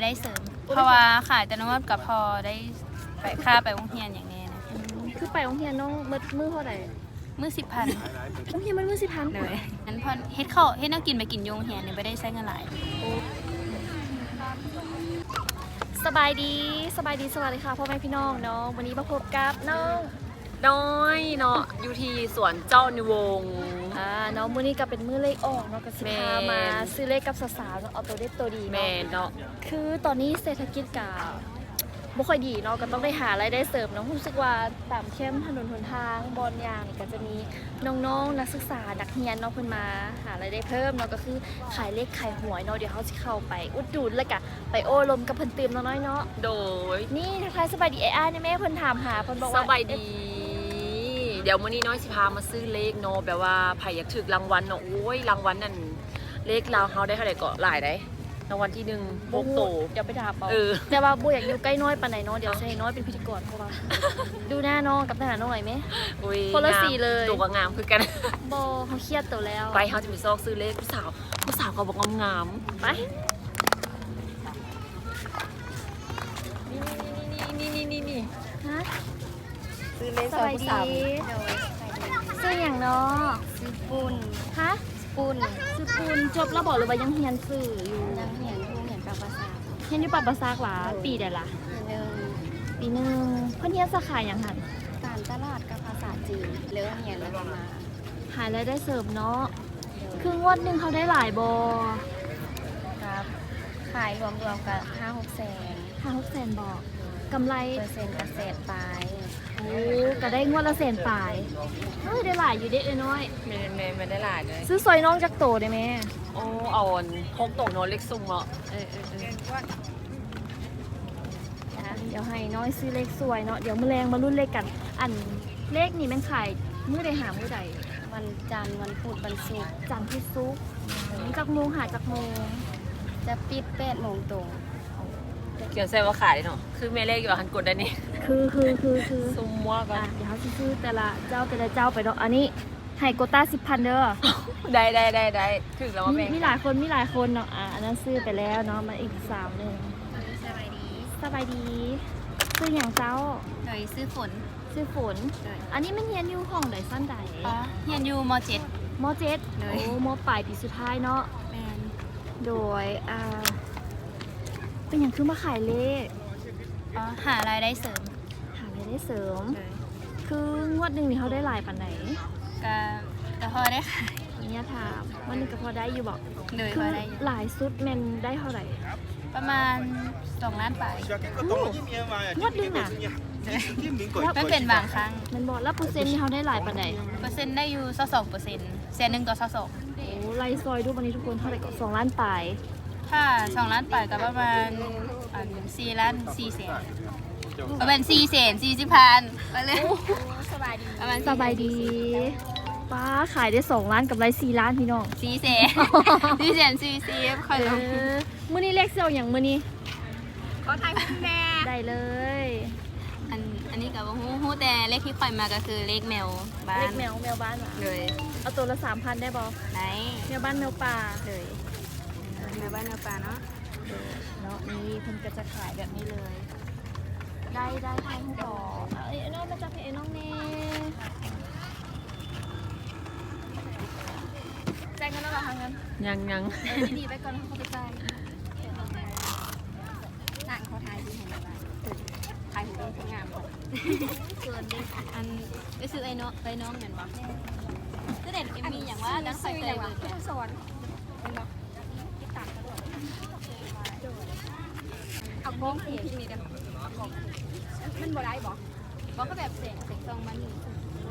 ได้เสริม เพราะว่าขายแต่นวดกับพอได้ไปค่าไปโรงเรียนอย่างนี้นะคือไปโรงเรียนน้องมือเท่าไหร่มื้อ10,000 โรงเรียนมันมือ10,000 เลยงั้นพอเฮ็ดข้าวเฮ็ดแนวกินไปกินโรงเรียนเนี่ยไม่ได้ใช้เงินหลายสบายดีสวัสดีค่ะพ่อแม่พี่น้องเนาะวันนี้มาพบกับน้องน้อยเนาะอยู่ที่สวนเจ้านิวงศ์น้องมื้อนี้ก็เป็นมื้อเลขออกเนาะก็สิพามาซื้อเลขกับสาวๆเนาะเอาตัวเด็ดตัวดีแม่เนาะเนาะคือตอนนี้เศรษฐกิจก็บ่ค่อยดีเนาะก็ต้องได้หารายได้เสริมเนาะรู้สึกว่าตามเข้มถนนหนทางบอนยางนี่ก็จะมีน้องๆนักศึกษานักเรียนเนาะเพิ่นมาหารายได้เพิ่มเนาะก็คือขายเลขขายหวยเนาะเดี๋ยวเขาสิเข้าไปอุดหนุนแล้วก็ไปโอ้ลมกับเพิ่นตื่มน้อยๆเนาะโดยนี่ทักทายสบายดีอ้ายๆนี่แม่เพิ่นถามหาเพิ่นบอกสว่าบายดี เดี๋ยวมื้อนี้น้อยสิพามาซื้อเลขเนาะแบบว่าไผอยากถึกรางวัลเนาะโอ้ยรางวัลนั่นเลขลาวเฮาได้เท่าไหร่ก็หลายได้รางวัลที่1โบกโตเดี๋ยวไปถามเอาเออแต่ว่าบ่อยากอยู่ใกล้น้อยปานไหนเนาะเดี๋ยวจะให้น้อยเป็นพิธีกรเพราะว่า ดูหน้าน้องกับทหารน้องหน่อยไหมอุ้ยคนละงามสีเลยตัวก็งามคือกันบ่เขาเครียดตัวแล้วไปเฮาจะไปซอกซื้อเลขผู้สาวก็บอกงามไปนี่ฮะซื้อเลขสบายดีซื้ออย่างเนาะซื้อปุ้นฮะปุ้นซื้อปูนจบแล้วบอกหรือว่ายังเรียนซื้ออยู่นังเหียนผู้เหียนปากภาษาเรียนอยู่ปรับประสากหลาปีใดล่ะหนึ่งปีหนึงเพิ่นเรียนสาขาหยังหั่นการตลาดกับภาษาจีนเลิกเหียนแล้วก็มาหารายได้เสริมเนาะคืองวดหนึงเขาได้หลายบ่ครับขายรวมๆกับ5-6 แสน 5-6 แสนบ่กำไรเปอร์เซ็นต์เกษตรปลายโอ้ก็ได้งวดละแสนปลายเฮ้ยได้หลายอยู่เด้น้อยแม่ได้หลายเลยซื้อซอยน้องจักโตได้ไหมโอ้เอาอันพกโตเนาะเลขซุ่มเนาะเดี๋ยวให้น้อยซื้อเลขสวยเนาะเดี๋ยวมื้อแรงมารุ่นเลขกัน อันเลขนี่แมันขายมื้อใดหามื้อใดวันจันทร์วันพุธวันศุกร์จันทร์พุธศุกร์จักโมงหาจักโมงจะปิด8 โมงตรงเขียนใส่ว่าขายเนาะคือแม่เลขอยู่ว่าหันกดได้นี่คือซุ่มมั่วกัอ่ะนเดี๋ยวเขาสิซื้อแต่ละเจ้าไปเนาะอันนี้ให้โกต้า10,000เด้อได้ถึงแล้วว่าแม่มีหลายคนเนาะอันนั้นซื้อไปแล้วเนาะมาอีกสาวหนึงสบายดีสบายดีซื้ออย่างเจ้าโดยซื้อฝนซื้อฝน อันนี้มันเรียนอยู่ห้องใดสั้นใดเหียนอยู่มมเจ็ดเลยโอ้มปลายปีสุดท้ายเนาะ .7 แมนโดยเป็นอย่างคือมาขายเลขหารายได้เสริมหารายได้เสริมเลยคืองวดหนึ่งนี่เขาได้หลายปันไหนก็พอได้ขายเนี่ยถามวันหนึงก็พอได้อยู่บอกเลยคืพออได้อยู่หลายสุดแมนได้เท่าไหร่ประมาณ2 ล้านไปงวดหนึงน่ะมันเป็นบางครั้งแมันบอกแล้วเปอร์เซ็นต์นี่เขาได้หลายปันไหนเปอร์เซ็นต์ได้อยู่22%แสนหนึ่งต่อ22 โอ้ไล่ซอยดูวันนี้ทุกคนเท่าไหร่ก็2 ล้านปลายถ้า2 ล้านไปก็ประมาณ4 ล้าน4 แสนประมาณ4 แสน40 พันไปเลยสบายดีประมาณสบายดีป้าขายได้2 ล้านกับไร4 ล้านพี่น้อง 4 แสน4 แสน40ค่อยลงมื้อนี้เลขเซลอย่างมื้อนี้ขอถ่ายคุณแม่ได้เลยอันนี้กับฮู้แต่เลขที่ค่อยมาก็คือเลขแมวบ้าเลนขแมวบ้านเหรอเลยเอาตัวละ 3,000 ได้บอไหนแมวบ้านแมวป่าเลยแมวบ้านแมวป่าเนาะเนาะนี่เพิ่นก็จะขายแบบนี้เลย ได้ทางต่อเอ้ยน้องมาจากเพจน้องเน่จ่ายเงินแล้วเหรอคะเงินยังดีๆไปก่อนเขาไปจ่ายต่างเขาทายดีเห็นไหมทายหูเป็นคนงามก่อนเกินดิอันไปซื้อไอ้น้องเห็นปะก็เด็ดเอ็มมีอย่างว่าดังใส่เตยเลยสอนเอาบ้องที่นี่เด้อมันบ่ได้บ่บ่ก็แบบเสียงซองมันอยู่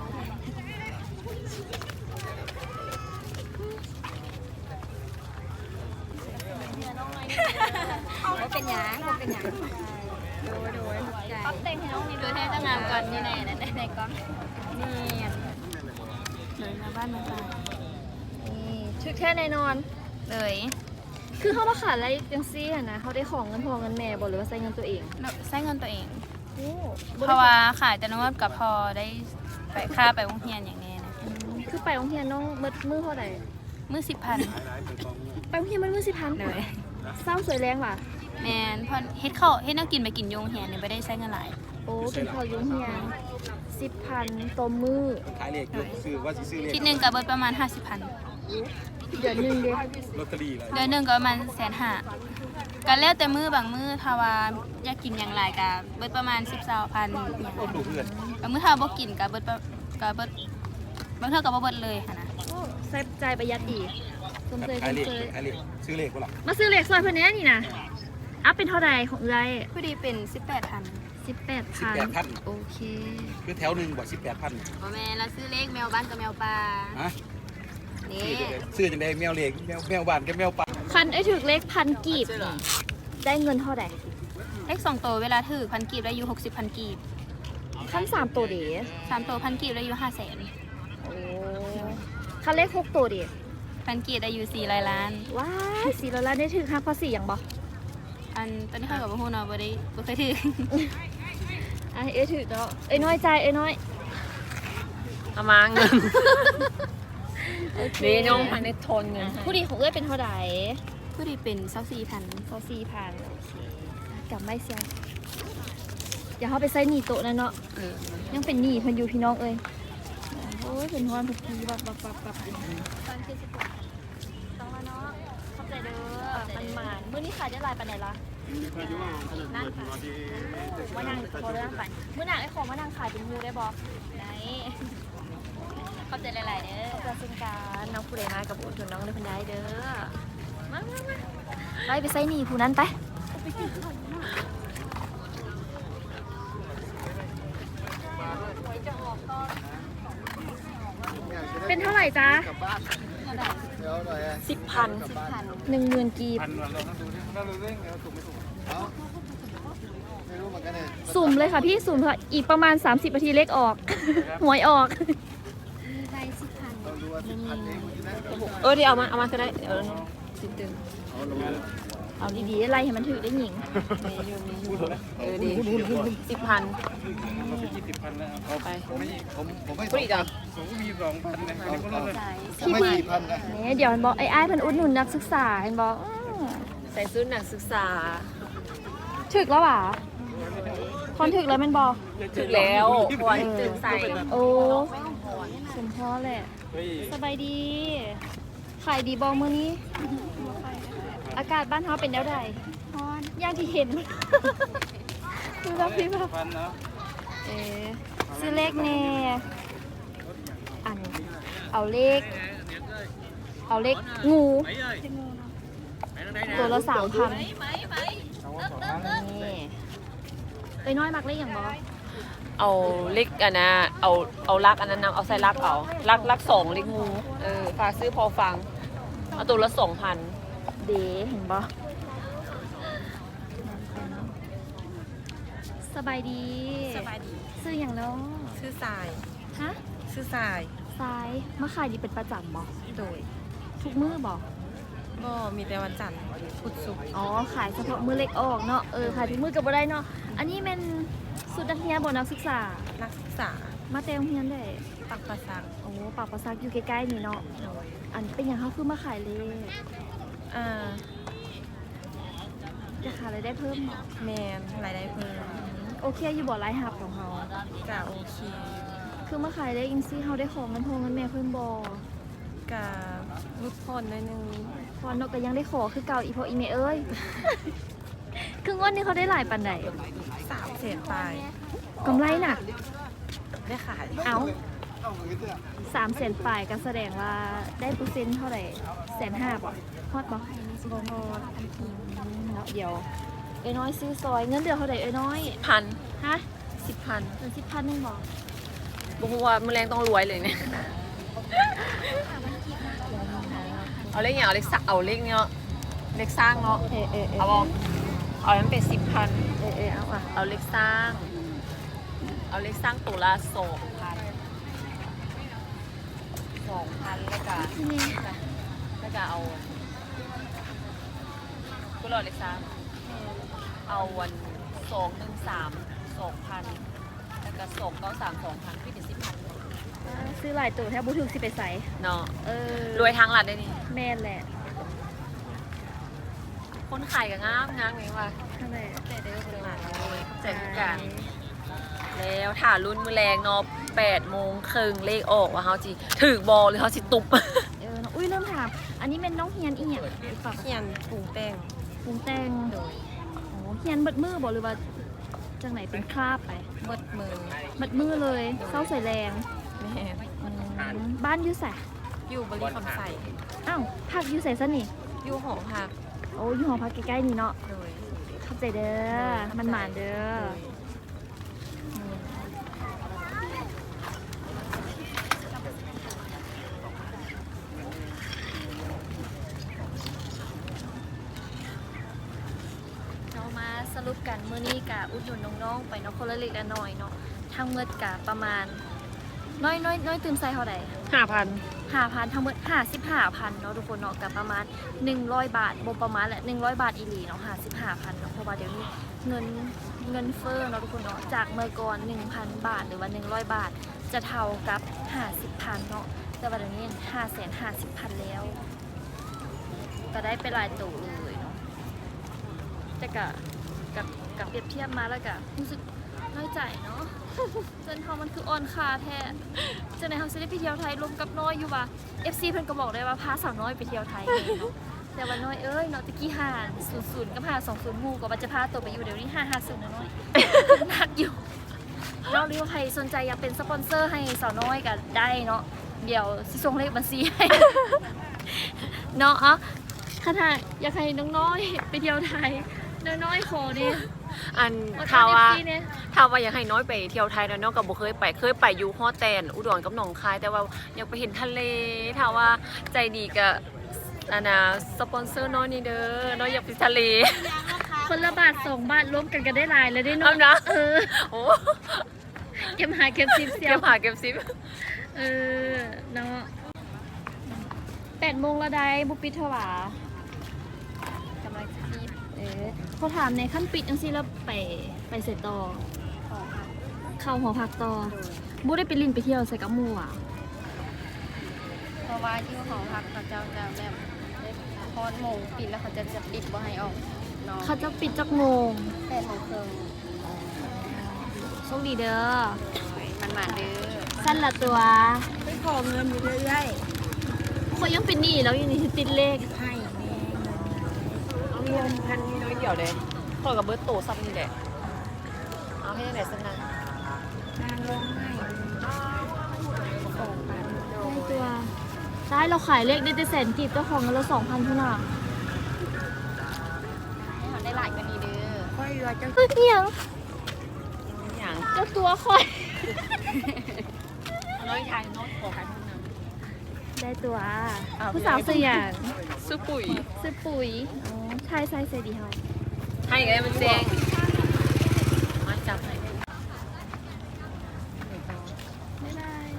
บ่เป็นหยังบ่เป็นหยังโดยใจปั๊บเต็งให้น้องนี่ดูให้ตั้งงานก่อนนี่แน่ในกล้องนี่เลยมาบ้านมาบ้านนี่ชุดแค่ในนอนเลยคือเขามาขายอะไรจังซี่อะนะเขาได้ของเงินพ่อเงินแม่บ่หรือว่าใช้เงินตัวเองใช้เงินตัวเองโอ้เพราะว่าขายแต่นวดกับพอได้ไปค่าไปโรงเรียนอย่างนี้นะคือไปโรงเรียนน้องมือเท่าไหร่มื้อ10,000 ไปโรงเรียนมันมือ10,000 เลยเศร้าสวยแรงว่ะแม่นเพอเฮ็ดข้าวเฮ็ดแนวกินไปกินโยงเฮียเนี่ยบ่ได้ใช้เงินหลายโอ้เป็นข้าวยุ้งเฮีย10,000ต่อมื้อขายเลขอยู่ซื้อว่าสิซื้อเลขคิดหนึงก็เบิดประมาณ 50,000 เดือนหนึงเด้ลอตเตอรี่เลยเดือนหนึงก็ประมาณ150,000ก็แล้วแต่มื้อบางมื้อถ้าว่าอยากกินอย่างหลายก็เบิดประมาณ10-20,000อย่างโอ้ดูเพื่อนบางมื้อถ้าบ่กินก็เบิดบางเทื่อก็บ่เบิดเลยค่ะนะโอ้ใส่ใจประหยัดดีสมเสยสขายมเลขเสยขายเลขซื้อเลขบ่ล่ะมาซื้อเหล็กซอยเพิ่นแหน่นี่นะอัพเป็นเท่าใดของเอื้อยพอดีเป็น 18,000 18,000โอเคคือแถวหนึงบ่18,000 บ่แม่นเราซื้อเลขแมวบ้านกับแมวป่าฮะนี่ซื้อจังได๋แมวเลขแมวบ้านกับแมวป่าคันไอ้ถึกเลขพันกีบนี่ได้เงินเท่าใดเลข2ตัวเวลาถือ1,000กีบได้อยู่60,000กีบคัน3ตัวเด้ 3ตัว1,000กีบได้อยู่500,000 โอ้คันเลข6ตัวเด้ 1,000กีบได้อยู่400ล้านว้าย4ล้านได้ถึก5ภาษีหยังบ่อันตอนนี้เขากับบ่ฮู้เนาะบ่เคยถืออ่ะเอ้ยถึกเนาะเอ้ยน้อยใจเอ้ยน้อยเอามาเงินโอเคนี่น้องพันได้ทนเงินให้ผู้ดีของเอ้ยเป็นเท่าใดผู้ดีเป็น24,000 24,000โอเคกลับไม่เสียอย่าเฮาไปใส่หนีโต๊ะนั่นเนาะเออยังเป็นหนี้เพิ่นอยู่พี่น้องเอ้ยโอ้ยเป็นฮอนทุกทีบับต้องมาเนาะเข้าใจเด้อมันหมานมื้อนี้ขายได้หลายปานไหนล่ะนั่งค่ะมานั่งพอได้นั่งไปมื้อหนักไอ้ของมานั่งขายเป็นมูได้บ่ไหนเข้าใจหลายๆเด้อขอบคุณการน้องผู้ใดมากับอุดหนุนน้องเลยเพิ่นได้เด้อมาไปใส่หนี้ผู้นั้นไปเป็นเท่าไหร่จ๊ะ 10,000 10,000 กีบพันวันเราต้องดูดิเราเร่งเราถูกไม่ถูกไม่รู้เหมือนกันเนี่ยสุ่มเลยค่ะพี่สุ่มค่ะอีกประมาณ 30 นาทีเลขออก หวยออกเราดูว่า10,000เองใช่ไหมเออเดี๋ยวเอามาก็ได้เออสิบตึงเอาดีๆอะไรให้มันถือได้หญิงพูดเถอะนะเออดี10,000 เราเป็น20,000แล้วเอาไปผมไม่พูดอีกอ่ะผมมี2,000นะอันนี้ก็เลิกพี่พี่เนี่ยเดี๋ยวมันบอกไอ้เพิ่นอุดหนุนนักศึกษาเห็นบอกใส่ชุดนักศึกษาถึกแล้วหว่ะคนถึกแล้วแมันบอกถึงแล้วพอตึงใส่โอ้สมพ่อแหละเฮ้ยสบายดี ขายดีบอมื้อนี้ อากาศบ้านเฮาเป็นแล้วใดร้อนอย่างที่เห็น ดูแล้วพี่แบบพันนะเออซื้อเลขแน่อันเอาเลขงูตัวละ3,000นี่ไปน้อยมักเลขอย่างบอเอาเล็กอันนะเอาลักอันนั้นนำเอาใส่ลักเอาลัก2เล็กงูเออฝากซื้อพอฟังเอาตัวละ 2,000 เดเห็นบอสบายดีสบายดีซื้ออย่างเนาะชื่อสายฮะชื่อสายซ้ายมาขายดีเป็นประจำบอโดยทุกมื้อบอกก็มีแต่วันจันทร์พุธศุกร์อ๋อขายเฉพาะมื้อเล็กออกเนาะขายทุกมื้อก็บ่ได้เนาะอันนี้เป็นสุดนักเรียนบ่นักศึกษานักศึกษามาแต่โรงเรียนได้ปักประสักโอ้ปากประซักอยู่ใกล้ๆนี่เนาะโดยอันเป็นอย่างเขาคือมาขายเลยอ่าจะขายอะไรายได้เพิ่มเนาะแมนรายได้เพิ่มโอเคอยู่บ่รายหับของเขากะโอเคคือมาขายได้อินซี่เขาได้ของเงินพงเงินแม่เพิ่มบ่กะรุดพ้นหนิดนึงพอนกก็ยังได้ขอคือเก่าอีพออีเมเอ้ย คืองวดนี้เขาได้หลายปันใด 300,000ปลายกำไรน่ะได้ขายเอา300,000ปลายก็แสดงว่าได้เปอร์เซ็นต์เท่าไหร่150,000บ่ฮอดบ่บ่ฮอดเนาะเดี๋ยวเอ้ยน้อยซื้อซอยเงินเดือนเท่าไหร่เอ้ยน้อย 1,000 ฮะ 10,000 เงิน10,000นึงบ่บอกว่ามือแรงต้องรวยเลยเนี่ยเอาเลขอย่างเอาเลขสักเอาเลขเนาะเลขสร้างเนาะเออเอาบอกเอานั้นเป็น10,000 เอาอ่ะเอาเลขสร้าง เอาเลขสร้างตัวละ2,000แล้วก็นี่แล้วก็เอาก็รอเลขสร้างเอาวัน213 2,000แล้วก็293 2,000พี่เป็น10,000 ซื้อหลายตัวแทบบุถึงสิไปใส่เนาะเออรวยทางหลัดได้นี่แม่นแหละคนขายก็งามงามไงวะนั่นแหละแต่เด้อบริวารเลยแจกทุกการแล้วถ่ารุ่นมือแรงเนาะ8 โมงครึ่งเลขออกว่าเขาจีถือบอลหรือเขาสิตุบเนาะอุ้ยเริ่มถามอันนี้เป็นน้องเฮียนอีหยังฝากเขียนปรุงแต่งปรุงแต่งโอ้เฮียนเบิดมือบ่หรือว่าจังไหนเป็นคราบไปเบิดมือเบิดมือเลยเศร้าใส่แรงแม่บ้านอยู่ใส่อยู่บริคำใส่อ้าวพักอยู่ใส่ซะนี่อยู่หอพักโอ้อยู่หอพักใกล้ๆนี่เนาะโดยเข้าใจเด้อมันหมานเด้อเรามาสรุปกันมื้อนี้กะอุดหนุนน้องๆไปเนาะคนละเล็กละน้อยเนาะทั้งหมดกะประมาณน้อยตื่มใส่เท่าใด 5,000 5,000ทั้งหมด55,000เนาะทุกคนเนาะกับประมาณ100 บาทบ่ประมาณแหละ100 บาทอีหลีเนาะ55,000เนาะเพราะว่าเดี๋ยวนี้เงินเฟ้อเนาะทุกคนเนาะจากเมื่อก่อน 1,000 บาทหรือว่า100 บาทจะเท่ากับ50,000เนาะแต่ว่าเดี๋ยวนี้550,000แล้วก็ได้ไปหลายตัวเลยเนาะแต่กับเปรียบเทียบมาแล้วก็รู้สึกน้อยใจเนาะ เงินเขามันคืออ่อนค่าแท้จะไหนเขาจะได้ไปเที่ยวไทยรวมกับน้อยอยู่ว่ะ FC เพิ่นก็บอกได้ว่าพาสาวน้อยไปเที่ยวไทยเลยเนาะ แต่ว่าน้อยเอ้ยเนาะตะกี้500กับ520หมู่ก็ว่าจะพาตัวไปอยู่เดี๋ยวนี้550นะน้อย หนักอยู่เนาะหรือว่าใครสนใจอยากเป็นสปอนเซอร์ให้สาวน้อยก็ได้เนาะเดี๋ยวสิส่งเลขบัญชีให้ เนาะอ่ะถ้าอยากให้น้องน้อยไปเที่ยวไทยน้อยๆขอดิอันอดข่าวว่า FC เนี่ยถ้าว่าอยากให้น้อยไปเที่ยวไทยนะน้องกับบ่เคยไปอยู่ฮอแตนอุดรกับหนองคาย แต่ว่าอยากไปเห็นทะเลถ้าว่าใจดีก็อันน่ะสปอนเซอร์น้อยนี่เด้อน้อยอยากไปทะเลคนละบาท2 บาทรวมกันก็ได้หลายเลยได้เอาเนาะนะเออโอ้เก็บหาเก็บซิปเสียเก็บหาเก็บซิปเออเนาะ8 โมงละได้บุปิดเท่าหร่ากำลังจะปิดพอถามในขั้นปิดจังซี่แล้วไปเสร็จต่อเข้าหอพักต่อบุได้ไปลินไปเที่ยวใส่กับหมู่อ่ะเพราะว่าที่หอพักเขาเจ้าจะแบบพอดโมงปิดแล้วเขาจะปิดบ่ให้ออกนอนเขาจะปิดจักโมง 8 โมงครึ่งโชคดีเด้อมันมาเด้อสั้นละตัวไปขอเงินอยู่เรื่อยคนยังเป็นหนี้แล้วยังนี่ติดเลขๆให้แม่เอาเงินพันน้อยเดียวเลยขอกับเบิร์ตโตซ้ำนี่แหละเอาให้ได้ไหนสักนะนางร้องไห้ได้ตัวได้เราขายเลขได้แต่แสนกีบเจ้าของเงินเรา2,000เท่านั้นให้เขาได้หลายกว่านี้เด้อค่อยว่าจะเฮ้ยเหียงอย่างเจ้าตัวคอยน้อยชายน้อยขอขายห้องน้ได้ตัวผู้สาวสื่ออย่างำซื้อปุ๋ยซื้อปุ๋ยอ๋อใช่ใส่ดีเฮาให้ไงมันแดงมาจับให้บ๊ายบาย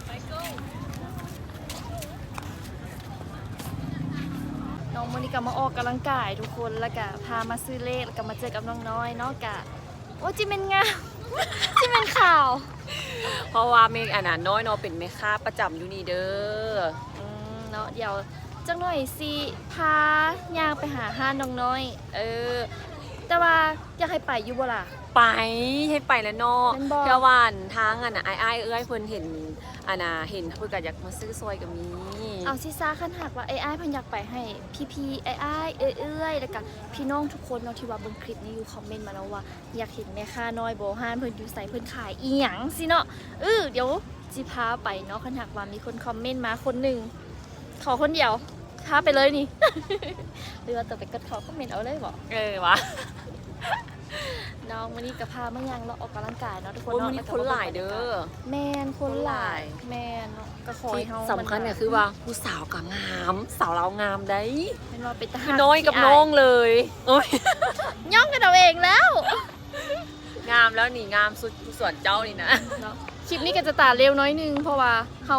น้องโมนิกามาออกกำลังกายทุกคนแล้วก็พามาซื้อเลขแล้วก็มาเจอกับน้องน้อยเนาะกะโอ้จิเป็นงาม จิเป็นข่าวเพราะว่าเมฆอันนั้นน้อยเนาะเป็นแม่ค้าประจำอยู่นี่เด้อเนาะเดี๋ยวจังหน่อยสิพายางไปหาห้านน้องน้อย แต่ว่าอยากให้ไปอยู่บ่ล่ะไปให้ไปแล้วเนาะแม่นบ่เพื่อวานทางอันน่ะอ้ายเอ้ยเพิ่นเห็นอันน่ะเห็นเพิ่นก็อยากมาซื้อซอยกับมีเอาซิซ่าขั้นหักว่าไอ้ไอ้ายเพันอยากไปให้พี่ๆไอ้ไอ้ายเอ้ยแล้วก็พี่น้องทุกคนเนาะที่ว่าเบิ่งคลิปนี้อยู่คอมเมนต์มาแล้วว่าอยากเห็นแม่ค้าน้อยโบห้านเพิ่นอยู่ใส่เพิ่นขายอีหยังสิเนาะเดี๋ยวจิพาไปเนาะขั้นหักว่ามีคนคอมเมนต์มาคนหนึ่งขอคนเดียวพาไปเลยนี่ หรือว่าตัวไปกดขอคอมเมนต์เอาเลยบ่วะน้องวันนี้กับพามายังเราะออกกำลังกายเนาะทุกคนโอ้ยเนาะมันนี่คนหลายเด้อแมนคนหลายแมนเนาะก็คอยที่เฮาสำคัญเนี่ยคือว่าผู้สาวก็งามสาวเรางามได้เป็นว่าเป็นทคืหาอรน้อยกับน้องเลยโอ้ยย่องกันเอาเองแล้วงามแล้วนี่งามสุดส่วนเจ้านี่นะเนาะคลิปนี้ก็จะตัดเร็วน้อยนึงเพราะว่าเขา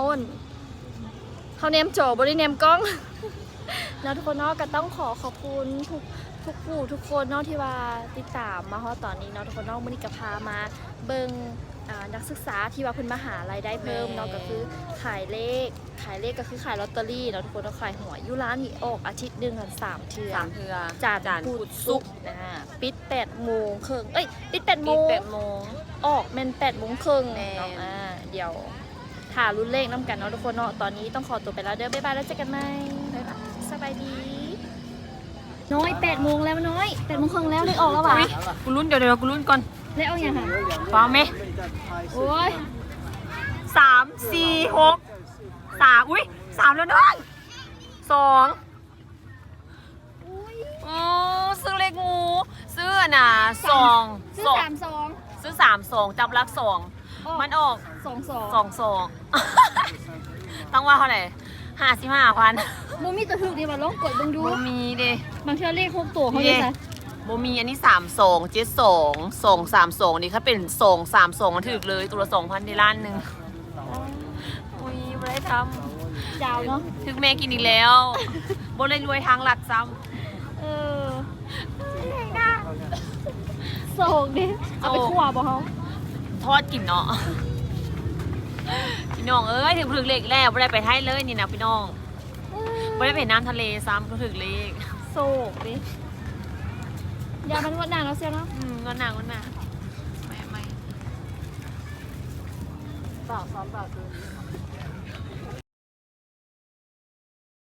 แนมจอบ่ได้แนมกล้อง แล้วทุกคนเนาะก็ต้องขอบคุณทุกทุกผู้ทุกคนเนาะที่ว่าติดตามมาฮอดตอนนี้เนาะทุกคนเนาะมื้อนี้ก็พามาเบิ่งนักศึกษาที่ว่าเพิ่นมาหารายได้เพิ่มเนาะก็คือขายเลขก็คือขายลอตเตอรี่เนาะทุกคนเนาะขายหวยอยู่ร้านนี่ออกอาทิตย์หนึงกัน3เทื่อ 3เทื่อจานพุธศุกร์ปิด8โมงครึ่งปิด8โมปิดง 8โมงออกแม่น8โมงครึ่งแม่นเนาะเดี๋ยวถ่ารุ่นเลขน้ำกันเนาะทุกคนเนาะตอนนี้ต้องขอตัวไปแล้วเด้อบ๊ายบายแล้วเจอกันใหม่บ๊ายบายสบายดีน้อย8โมงแล้วน้อย8โมงครึ่งแล้วเลขออกแล้วว่ะอุ๊ยกูลุ้นเดี๋ยวกูลุ้นก่อนเลขออกยังค่ะฟังไหมโอ้ย 3 4 6 3อุ้ย3แล้วน้อง2โอ้ซื้อเลขงูซื้อน่ะ2 ซื้อ32 ซื้อ3 2จับลัก2มันออก 22 2 ต้องว่าเท่าไหร่55,000 บ่มีตัวถูกดีว่าลองกดเบิ่งดูบ่มีเด้บางเทื่อเลข6ตัวเขาได้ซะบ่มีอันนี้32 72 232นี่ถ้าเป็น232มันถึกเลยตัวละ 2,000ในล้านหนึงอุ้ยบ่ได้ทำยาวเนาะถึกแม่กินอีกแล้วบ่เลยรวยทางหลักซ้ำเออโศกดิเอาไปคั่วบ่เฮาทอดกินเนาะพี่น้องเอ้ยถึงเลขแล้วไม่ได้ไปไทยเลยนี่นะพี่น้องไม่ได้ไปน้ำทะเลซ้ำก็ถึงเลขโศกดิยามันงดนานแล้วเสียเนาะงอนหนังไม่ 3 3 8